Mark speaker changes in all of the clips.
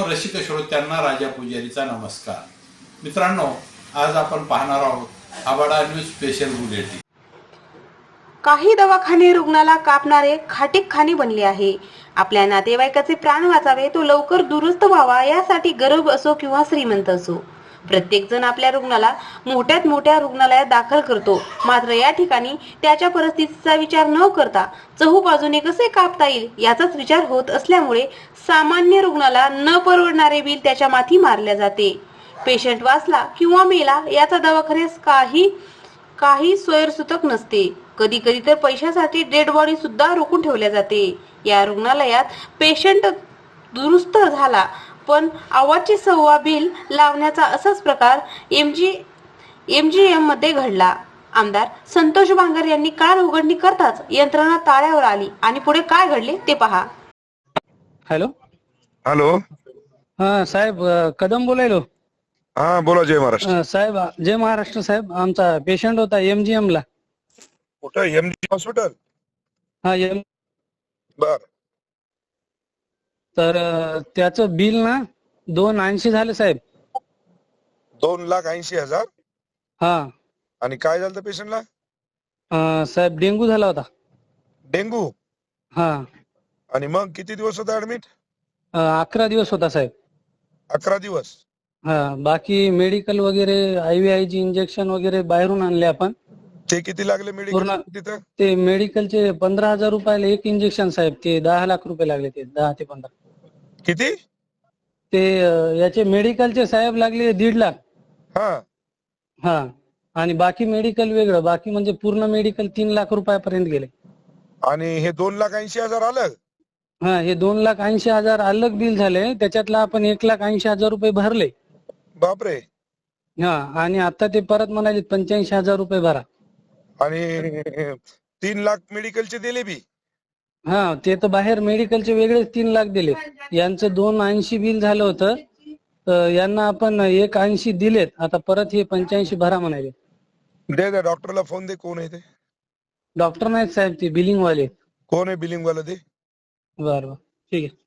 Speaker 1: रसिक श्रोत्यांना राजा पुजारीचा नमस्कार. मित्रांनो, आज आपण पाहणार आहोत आबाडा न्यूज स्पेशल बुलेटिन.
Speaker 2: काही दवाखाने रुग्णाला कापणारे खाटीकखाने बनले आहे. आपल्या नातेवाईकाचे प्राण वाचावे, तो लवकर दुरुस्त व्हावा, यासाठी गरीब असो किंवा श्रीमंत असो, प्रत्येक जण आपल्या रुग्णाला मोठ्यात मोठ्या रुग्णालयात दाखल करतो. मात्र या ठिकाणी त्याच्या परिस्थितीचा विचार न करता चहूबाजूने कसे कापता येईल याचाच विचार होत असल्यामुळे सामान्य रुग्णाला न परवडणारे बिल त्याच्या माथी मारले जाते. पेशंट वाचला किंवा मेला याचा दवाखान्यास काही सोयीसुतक नसते. कधी कधी तर पैशासाठी डेड बॉडी सुद्धा रोखून ठेवल्या जाते. या रुग्णालयात पेशंट दुरुस्त झाला पण आवाजची सव्वा बिल लावण्याचा असाच प्रकार एमजीएम मध्ये घडला. आमदार संतोष बांगर यांनी कार उघडणी करताच यंत्रणा ताळ्यावर आली आणि पुढे काय घडले ते पहा.
Speaker 3: Hello
Speaker 4: hello.
Speaker 3: हा साहेब, कदम बोलायलो.
Speaker 4: हा बोला. जय महाराष्ट्र.
Speaker 3: साहेब जय महाराष्ट्र. साहेब, आमचा पेशंट होता एमजीएम ला.
Speaker 4: कुठं? MG hospital?
Speaker 3: हा
Speaker 4: बर.
Speaker 3: तर त्याचं बिल ना 280 झालं साहेब.
Speaker 4: 2,80,000.
Speaker 3: हा.
Speaker 4: आणि काय झालं पेशंटला?
Speaker 3: साहेब डेंगू झाला होता.
Speaker 4: डेंगू?
Speaker 3: हा.
Speaker 4: आणि मग किती दिवस होता ऍडमिट?
Speaker 3: 11 दिवस होता साहेब.
Speaker 4: 11 दिवस.
Speaker 3: हा. बाकी मेडिकल वगैरे, IVIG इंजेक्शन वगैरे बाहेरून आणले आपण.
Speaker 4: ते किती लागले मेडिकल तिथं?
Speaker 3: ते मेडिकलचे 15,000 रुपयाला एक इंजेक्शन साहेब. ते 10 लाख रुपये लागले. ते 10 ते 15.
Speaker 4: किती?
Speaker 3: ते याचे मेडिकलचे साहेब लागले 1.5 लाख.
Speaker 4: हा.
Speaker 3: हा. आणि बाकी मेडिकल वेगळं. बाकी म्हणजे पूर्ण मेडिकल 3 लाख रुपयापर्यंत गेले.
Speaker 4: आणि हे 2,80,000 आलं?
Speaker 3: हा. हे 2,80,000 अलग बिल झाले. त्याच्यातला आपण 1,80,000 रुपये भरले.
Speaker 4: बापरे.
Speaker 3: हा. आणि आता ते परत म्हणाले 85,000 रुपये भरा.
Speaker 4: आणि 3 लाख मेडिकलचे दिले बी?
Speaker 3: हा. ते तर बाहेर मेडिकलचे वेगळेच 3 लाख दिले. यांचं 280 बिल झालं होतं. तर यांना आपण 180 दिलेत. आता परत हे 85 भरा म्हणाले.
Speaker 4: दे डॉक्टरला फोन दे. कोण आहे ते?
Speaker 3: डॉक्टर नाहीत साहेब, ते बिलिंग वाले.
Speaker 4: कोण आहे बिलिंग वाला? दे.
Speaker 3: बरं ठीक आहे.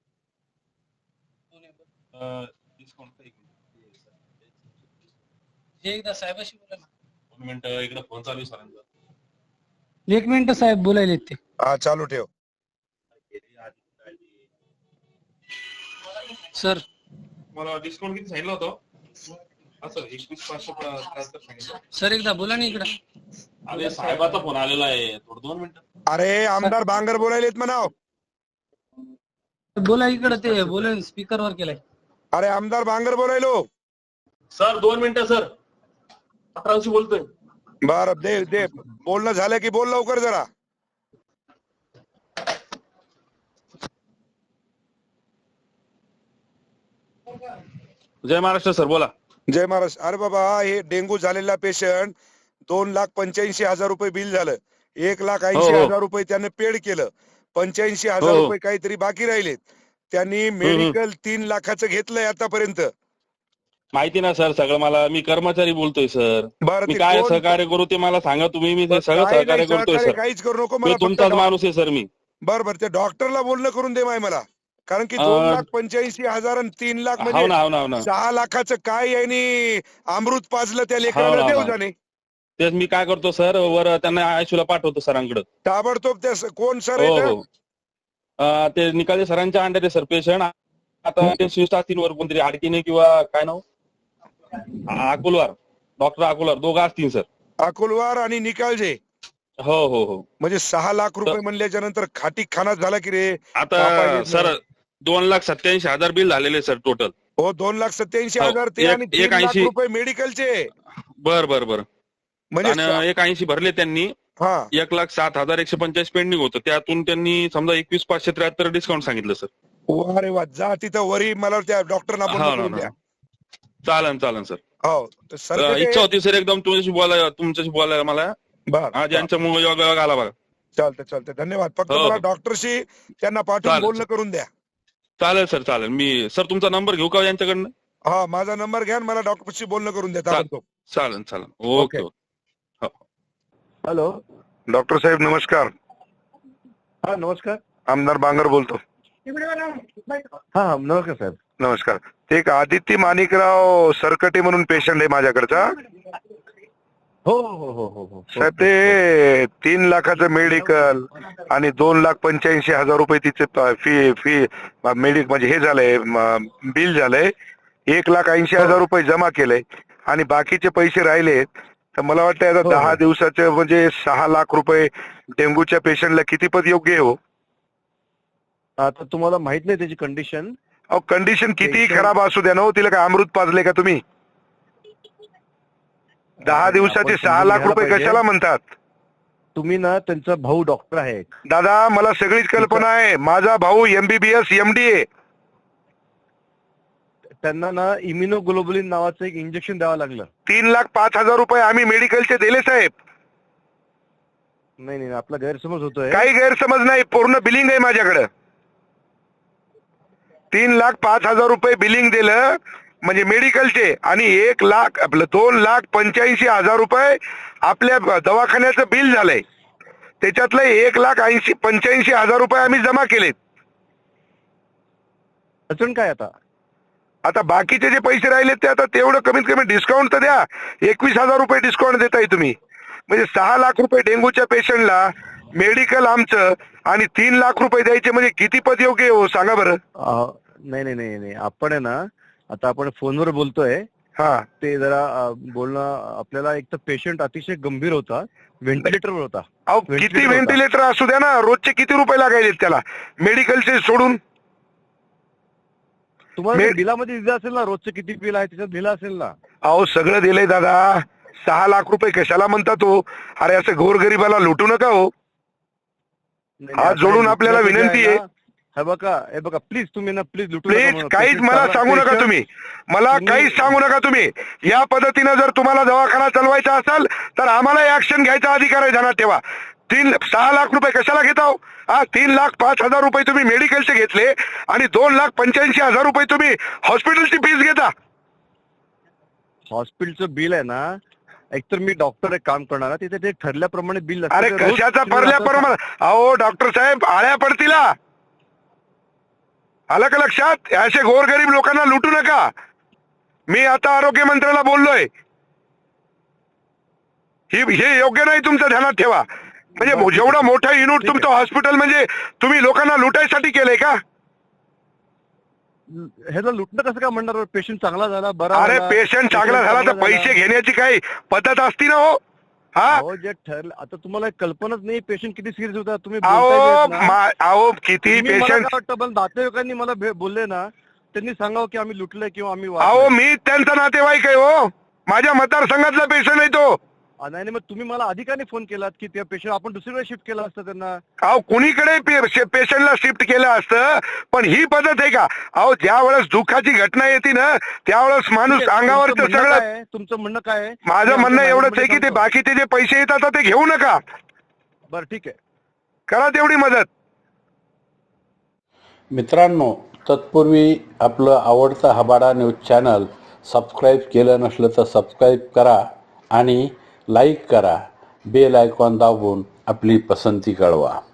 Speaker 3: एकदा साहेबाशी बोला ना.
Speaker 5: 2 मिनिट, इकडे फोन चालू आहे सरांचा.
Speaker 3: 1 मिनिट साहेब, बोलायले ते.
Speaker 4: हा, चालू ठेव.
Speaker 3: सर,
Speaker 5: मला डिस्काउंट किती सांगितलं होतं? असं 21,500 सांगितलं.
Speaker 3: सर एकदा बोला ना इकडं.
Speaker 5: अरे साहेबाचा फोन आलेला आहे, थोडं 2 मिनिटं.
Speaker 4: अरे आमदार बांगर बोलायलेत म्हणाव.
Speaker 3: बोला इकडं. ते बोला, स्पीकर वर केलाय.
Speaker 4: अरे आमदार बांगर बोलायलो.
Speaker 5: सर 2 मिनिटं सर. 18शी बोलतोय.
Speaker 4: बर, दे दे. बोलणं झालं की बोल लवकर जरा.
Speaker 5: जय महाराष्ट्र सर, बोला.
Speaker 4: जय महाराज. अरे बाबा, हे डेंगू झालेला पेशंट 2,85,000 रुपये बिल झालं. 1,80,000 रुपये त्याने पेड केलं. 85,000 रुपये काहीतरी बाकी राहिलेत. त्यांनी मेडिकल 3 लाखाचं घेतलंय आतापर्यंत.
Speaker 5: माहिती ना सर सगळं मला. मी कर्मचारी बोलतोय सर.
Speaker 4: बरं,
Speaker 5: मी
Speaker 4: ते
Speaker 5: काय
Speaker 4: कोण-
Speaker 5: सहकार्य करू ते मला सांगा तुम्ही. मी ते सगळं
Speaker 4: काही
Speaker 5: सहकार्य
Speaker 4: नाही,
Speaker 5: करतोय
Speaker 4: सहकार्य
Speaker 5: सर.
Speaker 4: काहीच करू नको.
Speaker 5: मी
Speaker 4: मला
Speaker 5: तुमचाच माणूस आहे सर मी.
Speaker 4: बरं ते डॉक्टरला बोलणं करून दे मला. कारण की 2,85,000 आणि 3 लाख
Speaker 5: हो ना,
Speaker 4: म्हणजे
Speaker 5: हो ना, हो ना.
Speaker 4: 6 लाखाचं काय यांनी अमृत पाजलं त्या
Speaker 5: हो
Speaker 4: लेकराला
Speaker 5: ना,
Speaker 4: देव
Speaker 5: हो ना.
Speaker 4: जाणे.
Speaker 5: तेच मी काय करतो सर, वर त्यांना आयशूला पाठवतो सरांकडे.
Speaker 4: ताबडतोब त्या कोण सर
Speaker 5: हो
Speaker 4: आहे?
Speaker 5: हो. ते निकाले सरांच्या अंडर आहे सर पेशंट. आता ते स्विस्ट असतील वर कोणतरी आडकीने किंवा काय नाव, अकोलवार, डॉक्टर अकोलवार दोघं असतील सर.
Speaker 4: अकोलवार आणि निकालजे.
Speaker 5: हो हो हो.
Speaker 4: म्हणजे 6 लाख रुपये म्हणल्याच्या नंतर खाटी खाना झाला की रे.
Speaker 5: आता सर 2,87,000 बिल झालेले सर टोटल.
Speaker 4: हो, 2,87,000 ते आणि 3 लाख
Speaker 5: 180
Speaker 4: रुपये मेडिकलचे.
Speaker 5: बर बर बर.
Speaker 4: म्हणजे
Speaker 5: आणि 180 भरले त्यांनी.
Speaker 4: हा.
Speaker 5: 1,07,145 पेंडिंग होतं. त्यातून त्यांनी समजा 21,573 डिस्काउंट सांगितलं सर.
Speaker 4: वा रे वा. जा तिथं वरी मला त्या डॉक्टरना
Speaker 5: हो
Speaker 4: बोलणं
Speaker 5: ना,
Speaker 4: करून द्या.
Speaker 5: चालन चालन सर.
Speaker 4: हो सर.
Speaker 5: इच्छा होती सर एकदम तुमच्याशी बोलायला मला.
Speaker 4: बर,
Speaker 5: आज यांच्यामुळे योग आला बघा.
Speaker 4: चालतंय. धन्यवाद. फक्त
Speaker 5: हो,
Speaker 4: मला
Speaker 5: हो.
Speaker 4: डॉक्टरशी त्यांना पाठवून
Speaker 5: चालेल,
Speaker 4: बोलणं करून द्या.
Speaker 5: चालेल सर चालेल. मी सर तुमचा नंबर घेऊ का यांच्याकडनं?
Speaker 4: हा, माझा नंबर घ्या. मला डॉक्टरशी बोलणं करून द्या ताबडतोब.
Speaker 5: चालेल. ओके.
Speaker 4: हॅलो. डॉक्टर साहेब नमस्कार.
Speaker 6: हा नमस्कार.
Speaker 4: आमदार बांगर बोलतो.
Speaker 6: हा नमस्कार साहेब.
Speaker 4: नमस्कार. ते एक आदित्य माणिकराव सरकटे म्हणून पेशंट आहे माझ्याकडचा.
Speaker 6: हो हो हो हो हो
Speaker 4: साहेब ते 3 लाखाचं मेडिकल आणि 2,85,000 रुपये तिचे फी मेडिकल म्हणजे हे झालंय, बिल झालंय. 1,80,000 रुपये जमा केलंय आणि बाकीचे पैसे राहिले. तर मला वाटतं आता 10 दिवसाचे म्हणजे 6 लाख रुपये डेंग्यूच्या पेशंटला किती पद योग्य आहे हो?
Speaker 6: आता तुम्हाला माहित नाही त्याची कंडिशन.
Speaker 4: अहो कंडिशन कितीही खराब असू द्या ना हो, तिला काय अमृत पाजले का तुम्ही? 10 दिवसाचे 6 लाख रुपये कशाला म्हणतात?
Speaker 6: तुम्ही ना त्यांचा भाऊ डॉक्टर आहे.
Speaker 4: दादा मला सगळीच कल्पना आहे. माझा भाऊ MBBS MD आहे.
Speaker 6: त्यांना ना इम्युनोग्लोबुलिन नावाचं एक इंजेक्शन द्यावं लागलं.
Speaker 4: 3,05,000 रुपये आम्ही मेडिकलचे दिले साहेब.
Speaker 6: नाही नाही आपला गैरसमज होतोय.
Speaker 4: काही गैरसमज नाही, पूर्ण बिलिंग आहे माझ्याकडे. 3,05,000 रुपये बिलिंग दिलं म्हणजे मेडिकलचे आणि 2,85,000 रुपये आपल्या दवाखान्याचं बिल झालंय. त्याच्यातलं 1,85,000 रुपये आम्ही जमा केलेत.
Speaker 6: अडचण काय
Speaker 4: आता बाकीचे जे पैसे राहिले ते आता तेवढं कमीत कमी डिस्काउंट तर द्या. 21,000 रुपये डिस्काउंट देताय तुम्ही. म्हणजे 6 लाख रुपये डेंग्यूच्या पेशंटला मेडिकल आमचं आणि 3 लाख रुपये द्यायचे म्हणजे किती पद योग्य हो सांगा बरं?
Speaker 6: नाही नाही नाही नाही आपण आहे ना आता आपण फोनवर बोलतोय.
Speaker 4: हा
Speaker 6: ते जरा बोलणं आपल्याला एक तर पेशंट अतिशय गंभीर होता, व्हेंटिलेटरवर होता.
Speaker 4: अहो किती व्हेंटिलेटर असू द्या ना, रोजचे किती रुपये लागायचे त्याला मेडिकलचे सोडून?
Speaker 6: तुम्हाला बिलामध्ये दिलं असेल ना रोजचं किती बिल आहे त्याच्यात दिलं असेल ना.
Speaker 4: अहो सगळं दिलंय दादा. 6 लाख रुपये कशाला म्हणतात हो? अरे असं गोरगरिबाला लुटू नका हो. हात जोडून आपल्याला विनंती आहे.
Speaker 6: हे बघा प्लीज तुम्ही ना प्लीज
Speaker 4: प्लीज काहीच मला सांगू नका तुम्ही. मला काहीच सांगू नका तुम्ही. या पद्धतीनं जर तुम्हाला दवाखाना चालवायचा असेल तर आम्हाला ऍक्शन घ्यायचा अधिकार आहे. ध्यानात ठेवा. 6 लाख रुपये कशाला घेता हो? 3,05,000 रुपये तुम्ही मेडिकलचे घेतले आणि 2,85,000 रुपये तुम्ही हॉस्पिटलची फीस घेता.
Speaker 6: हॉस्पिटलचं बिल आहे ना, एकतर मी डॉक्टर एक काम करणार तिथे ते ठरल्याप्रमाणे बिल.
Speaker 4: अरे कशाचा ठरल्याप्रमाणे? अहो डॉक्टर साहेब आळ्या पडतीला. आलं का लक्षात? असे गोरगरीब लोकांना लुटू नका. मी आता आरोग्य मंत्र्याला बोललोय. हे योग्य नाही, तुमचं ध्यानात ठेवा. म्हणजे जेवढं मोठं युनिट तुमचं हॉस्पिटल म्हणजे तुम्ही लोकांना लुटायसाठी केलंय का?
Speaker 6: ह्याला लुटणं कसं काय म्हणणार? पेशंट चांगला झाला बरा.
Speaker 4: अरे पेशंट चांगला झाला तर पैसे घेण्याची काही पद्धत असती ना हो? हा
Speaker 6: जे ठरलं आता तुम्हाला कल्पनाच नाही पेशंट किती सिरियस होता. तुम्ही
Speaker 4: अहो किती पेशंट
Speaker 6: वाटतं नातेवाईकांनी मला बोलले ना, त्यांनी सांगावं की आम्ही लुटलंय किंवा आम्ही
Speaker 4: अहो मी त्यांचा नातेवाईक आहे हो. माझ्या मतदारसंघातला पेशंट आहे तो.
Speaker 6: नाही मग तुम्ही मला अधिकाने फोन केलात की त्या पेशंट आपण दुसरीकडे शिफ्ट केलं असतं त्यांना.
Speaker 4: अहो कुणीकडे पेशंटला शिफ्ट केलं असतं, पण ही पद्धत आहे का? अहो ज्या वेळेस दुःखाची घटना येते ना त्यावेळेस माणूस अंगावरचं सगळं.
Speaker 6: तुमचं म्हणणं काय आहे?
Speaker 4: माझं म्हणणं एवढंच आहे की ते बाकीचे जे पैसे येतात ते घेऊ नका.
Speaker 6: बरं ठीक आहे,
Speaker 4: करा तेवढी मदत.
Speaker 1: मित्रांनो, तत्पूर्वी आपलं आवडतं हबाडा न्यूज चॅनल सबस्क्राईब केलं नसलं तर सबस्क्राईब करा आणि लाईक करा. बेल आयकॉन दाबून आपली पसंती कळवा.